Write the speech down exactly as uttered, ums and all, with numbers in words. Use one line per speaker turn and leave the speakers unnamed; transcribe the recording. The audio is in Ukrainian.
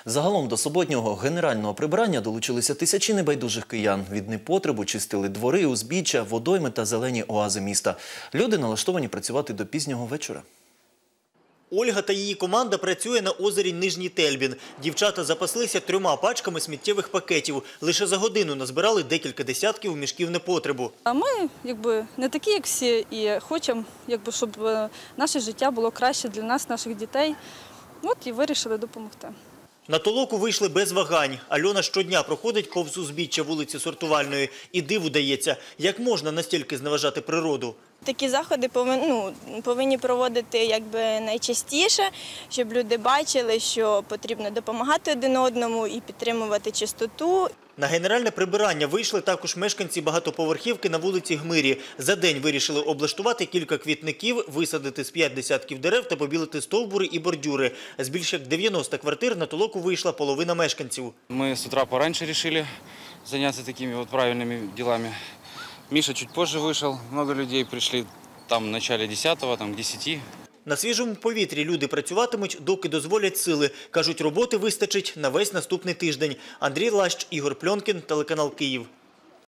Загалом до суботнього генерального прибирання долучилися тисячі небайдужих киян. Від непотребу чистили двори, узбіччя, водойми та зелені оази міста. Люди налаштовані працювати до пізнього вечора.
Ольга та її команда працює на озері Нижній Тельбін. Дівчата запаслися трьома пачками сміттєвих пакетів. Лише за годину назбирали декілька десятків мішків непотребу.
А ми якби не такі, як всі, і хочемо, якби, щоб наше життя було краще для нас, наших дітей. От і вирішили допомогти.
На толоку вийшли без вагань. Альона щодня проходить повз узбіччя вулиці Сортувальної. І диву дається, як можна настільки зневажати природу.
Такі заходи повинні, ну, повинні проводити якби найчастіше, щоб люди бачили, що потрібно допомагати один одному і підтримувати чистоту.
На генеральне прибирання вийшли також мешканці багатоповерхівки на вулиці Гмирі. За день вирішили облаштувати кілька квітників, висадити з п'ять десятків дерев та побілити стовбури і бордюри. З більш як дев'яноста квартир на толоку вийшла половина мешканців.
Ми з утра пораньше вирішили зайнятися такими от правильними ділами. Миша чуть позже вийшов, багато людей прийшли там в начале десятого, там к десяти.
На свіжому повітрі люди працюватимуть, доки дозволять сили. Кажуть, роботи вистачить на весь наступний тиждень. Андрій Лащ, Ігор Пльонкін, телеканал Київ.